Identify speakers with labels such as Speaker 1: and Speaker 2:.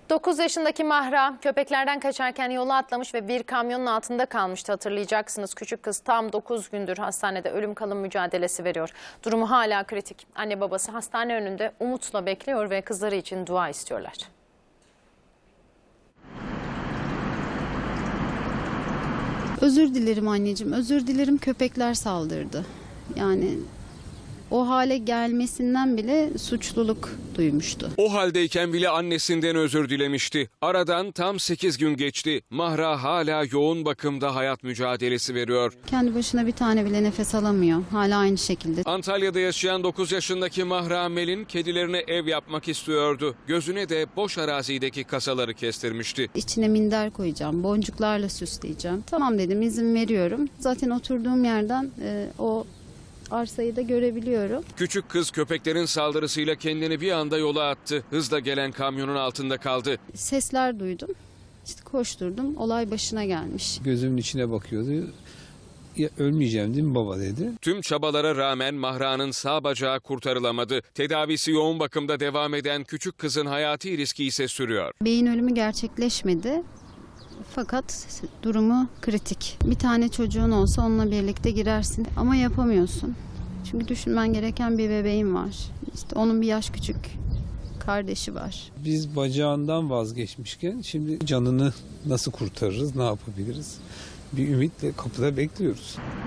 Speaker 1: 9 yaşındaki Mahra köpeklerden kaçarken yola atlamış ve bir kamyonun altında kalmıştı, hatırlayacaksınız. Küçük kız tam 9 gündür hastanede ölüm kalım mücadelesi veriyor. Durumu hala kritik. Anne babası hastane önünde umutla bekliyor ve kızları için dua istiyorlar.
Speaker 2: Özür dilerim anneciğim, özür dilerim, köpekler saldırdı. Yani o hale gelmesinden bile suçluluk duymuştu.
Speaker 3: O haldeyken bile annesinden özür dilemişti. Aradan tam 8 gün geçti. Mahra hala yoğun bakımda hayat mücadelesi veriyor.
Speaker 2: Kendi başına bir tane bile nefes alamıyor. Hala aynı şekilde.
Speaker 3: Antalya'da yaşayan 9 yaşındaki Mahra Melin kedilerine ev yapmak istiyordu. Gözüne de boş arazideki kasaları kestirmişti.
Speaker 2: İçine minder koyacağım, boncuklarla süsleyeceğim. Tamam dedim, izin veriyorum. Zaten oturduğum yerden o arsayı da görebiliyorum.
Speaker 3: Küçük kız köpeklerin saldırısıyla kendini bir anda yola attı. Hızla gelen kamyonun altında kaldı.
Speaker 2: Sesler duydum. İşte koşturdum. Olay başına gelmiş.
Speaker 4: Gözümün içine bakıyordu. Ya, ölmeyeceğim değil mi baba dedi.
Speaker 3: Tüm çabalara rağmen Mahra'nın sağ bacağı kurtarılamadı. Tedavisi yoğun bakımda devam eden küçük kızın hayati riski ise sürüyor.
Speaker 2: Beyin ölümü gerçekleşmedi. Fakat durumu kritik. Bir tane çocuğun olsa onunla birlikte girersin ama yapamıyorsun. Çünkü düşünmen gereken bir bebeğin var. İşte onun bir yaş küçük kardeşi var.
Speaker 4: Biz bacağından vazgeçmişken şimdi canını nasıl kurtarırız, ne yapabiliriz? Bir ümitle kapıda bekliyoruz.